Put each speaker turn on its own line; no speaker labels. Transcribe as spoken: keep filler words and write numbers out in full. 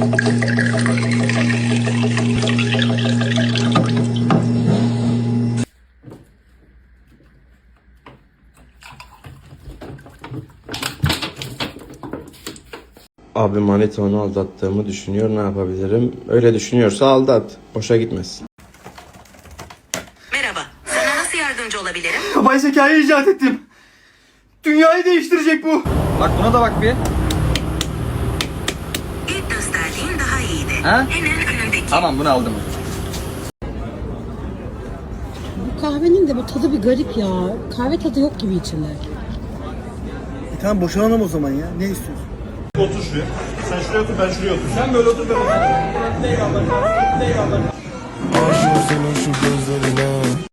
Abi manita onu aldattığımı düşünüyor, ne yapabilirim? Öyle düşünüyorsa aldat. Boşa gitmesin.
Merhaba, sana nasıl yardımcı olabilirim?
Yapay zekayı icat ettim. Dünyayı değiştirecek bu. Bak buna da bak bir.
İlk gösterdiğin daha iyiydi.
Ha?
Hemen önündeki.
Tamam bunu aldım.
Bu kahvenin de bu tadı bir garip ya. Kahve tadı yok gibi içinde.
E tamam boşanalım o zaman ya. Ne istiyorsun?
Otur şuraya. Sen şuraya otur, ben şuraya otur. Sen böyle otur, ben otur. Eyvallah. Eyvallah.
Aşık senin şu gözlerine.